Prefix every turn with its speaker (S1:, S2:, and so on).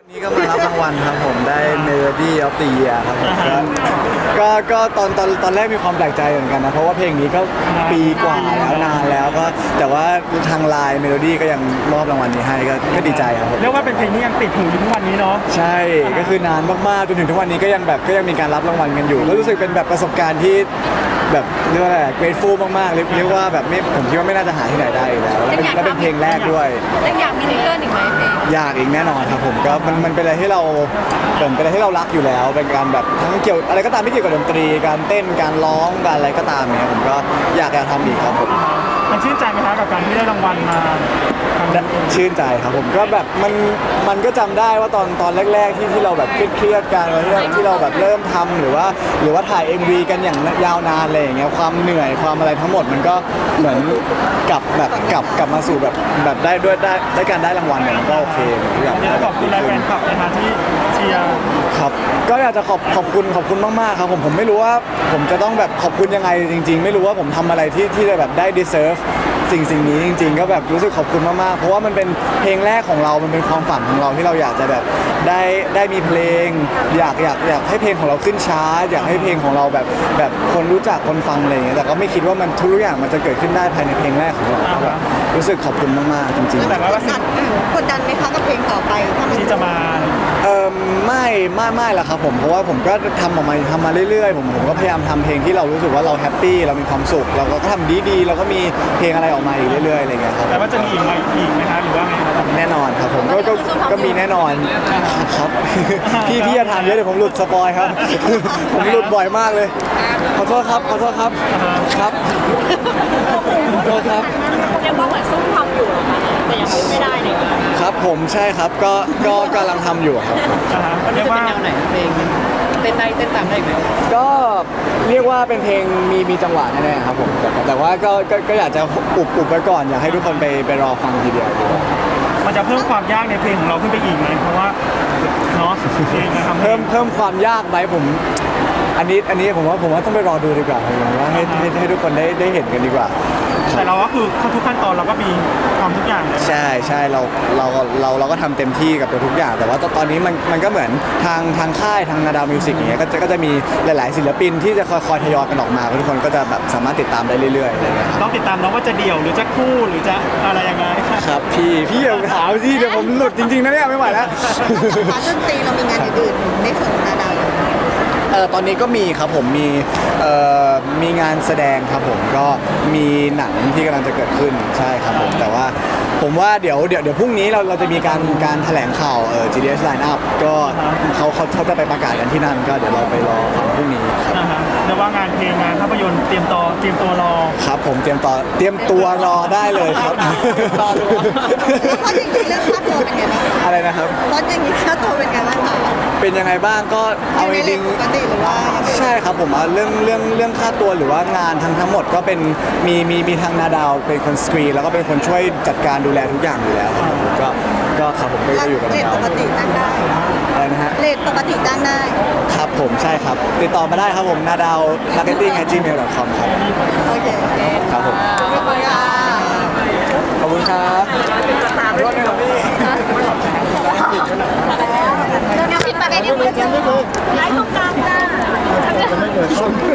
S1: นี่ก็มารับรางวัลครับผมได้ Melody of the Year ครับผมก็ตอนแรกมีความแปลกใจเหมือนกันนะเพราะว่าเพลงนี้ก็ปีกว่าแล้วนานแล้วก็แต่ว่าทางไลน์ Melody ก็ยังมอบรางวัลนี้ให้ก็ดีใจครับผม
S2: เรียกว่าเป็นเพลงที่ยังติดหูอยู่ทุกวันนี้เนาะ
S1: ใช่ก็คือนานมากๆจนถึงทุกวันนี้ก็ยังมีการรับรางวัลกันอยู่ก็รู้สึกเป็นแบบประสบการณ์ที่แบบเรียกว่าอะไร grateful มากๆเรียกว่าแบบไม่ผมคิดว่าไม่น่าจะหาที่ไหนได้อีกแล้วแล้วเป็นเพลงแรกด้วย
S3: แล้วอยากมีซิงเกิลอีกไหมเพลง
S1: อยากอีกแน่นอนครับผมก็มันเป็นอะไรที่เราเป็นอะไรที่เรารักอยู่แล้วเป็นการแบบทั้งเกี่ยวอะไรก็ตามที่เกี่ยวกับดนตรีการเต้นการร้องการอะไรก็ตามเนี่ยผมก็อยากทำอีกครับผม
S2: มันชื่นใจไหมคะกับการที่ได้รางวัลมา
S1: ชื่นใจครับผมก็แบบมันก็จำได้ว่าตอนแรกๆที่เราแบบเครียดกันที่เราแบบเริ่มทำหรือว่าถ่าย MV กันอย่างยาวนานอะไรอย่างเงี้ยความเหนื่อยความอะไรทั้งหมดมันก็เหมือนกลับมาสู่แบบได้การได้รางวัลเนี่ยมันก็โอเคทุกอย่าง
S2: ขอบคุณแฟนคลับนะคะที่เชียร์
S1: ครับก็อยากจะขอบคุณมากๆครับผมไม่รู้ว่าผมจะต้องแบบขอบคุณยังไงจริงๆไม่รู้ว่าผมทำอะไรที่จะแบบได้ deserve สิ่งนี้จริงๆก็แบบรู้สึกขอบคุณมากๆเพราะว่ามันเป็นเพลงแรกของเรามันเป็นความฝันของเราที่เราอยากจะแบบได้มีเพลงอยากให้เพลงของเราขึ้นชาร์ตอยากให้เพลงของเราแบบคนรู้จักคนฟังอะไรอย่างเงี้ยแต่ก็ไม่คิดว่ามันทุกอย่างมันจะเกิดขึ้นได้ภายในเพลงแรกของเราแบบรู้สึกขอบคุณมากๆจริงๆ
S3: แต่ว่ากดดันไหมคะกับเพลงต่อไป
S2: ที่จะมา
S1: ไม่ละครับผมเพราะว่าผมก็ทำมาเรื่อยๆผมก็พยายามทำเพลงที่เรารู้สึกว่าเราแฮปปี้เรามีความสุขเราก็ทำดีๆเราก็มีเพลงอะไรออกมาอีกเรื่อยๆอะไรเงี้ยครับ
S2: แต่ว่าจะมีอีกไหมคะหรือว่าไง
S1: แน่นอนครับผมก็มีแน่นอนครับพี่อย่าถามเยอะเดี๋ยวผมหลุดสปอยครับผมหลุดบ่อยมากเลยขอโทษครับครับครับขอโทษครับ
S3: เรียกว่าเหมือนซุ่มทำอยู่หรอคะแต่ยังพูดไม่ได้เลย
S1: ครับผมใช่ครับก็กำลังทำอยู่ครับ
S3: เรียกว่าแนวไหนเพลงเต้นได้เต้นตามได้ไหม
S1: ก็เรียกว่าเป็นเพลงมีจังหวะแน่ๆครับผมแต่ว่าก็อยากจะอุบไว้ก่อนอยากให้ทุกคนไปรอฟังทีเดียวดีกว่า
S2: มันจะเพิ่มความยากในเพลงของเราขึ้นไปอีกไหมเพราะว่าเนาะ
S1: เพิ่มความยากไหมผมอันนี้ผมว่าต้องไปรอดูดีกว่าผมว่าให้ทุกคนได้เห็นกันดีกว่า
S2: แต่เราก็คือทุกขั้นตอนเราก็มีความทุกอย่าง
S1: ใช่เราก็ทำเต็มที่กับทุกอย่างแต่ว่าตอนนี้มันก็เหมือนทางค่ายทางนาดาวมิวสิกอย่างเงี้ยก็จะมีหลายๆศิลปินที่จะคอยทยอยกันออกมาทุกคนก็จะแบบสามารถติดตามได้เรื่อยๆอะไรเงี้ย
S2: ต้องติดตามน้องว่าจะเดี่ยวหรือจะคู่หรือจะอะไรยังไง
S1: ครับพี่อย่าถามสิเดี๋ยวผมหลุดจริงๆนะเนี่ยไม่ไหวแล้ว
S3: พาร์ทดนตรีเรามีงานอื่นในส่วนของนาดาว
S1: ตอนนี้ก็มีครับผมมีงานแสดงครับผมก็มีหนังที่กำลังจะเกิดขึ้นใช่ครับผมแต่ว่าผมว่าเดี๋ยวพรุ่งนี้เราจะมีการแถลงข่าวGDS Line Up ก็เขาจะไปประกาศกันที่นั่นก็เดี๋ยวเราไปรอฟังพรุ่งนี้ครับ
S2: เรียกว่างานเพลงงานภาพยนตร์เตรียมตัวรอ
S1: ครับผมเตรียมตัวรอได้เลยครับ
S3: เพราะจริงๆเรื่องค่าตัวเป็นไงบ้าง
S1: อะไรนะครับ
S3: เพราะจริงๆค่าตัวเป็นไงบ้างคะ
S1: เป็นยังไงบ้างก็เอาจริงใช่ครับผมเรื่องค่าตัวหรือว่างานทั้งหมดก็เป็นมีทางนาดาวเป็นคนสกรีนแล้วก็เป็นคนช่วยจัดการดูแลทุกอย่างอยู่แล้วก็ครับผมก็อยู่กับนาดาว
S3: ปกติจ้างได้
S1: อะไรนะฮะ
S3: เลทปกติจ้างได้
S1: ครับผมใช่ครับติดต่อมาได้ครับผมnadao@gmail.com ครับ
S3: โอเค
S1: ครับผมขอบคุณครับรถนะครับพี่
S3: เดี๋ยวผิดประเด็นนิดนึงไลฟ์ตรงกลางจ้า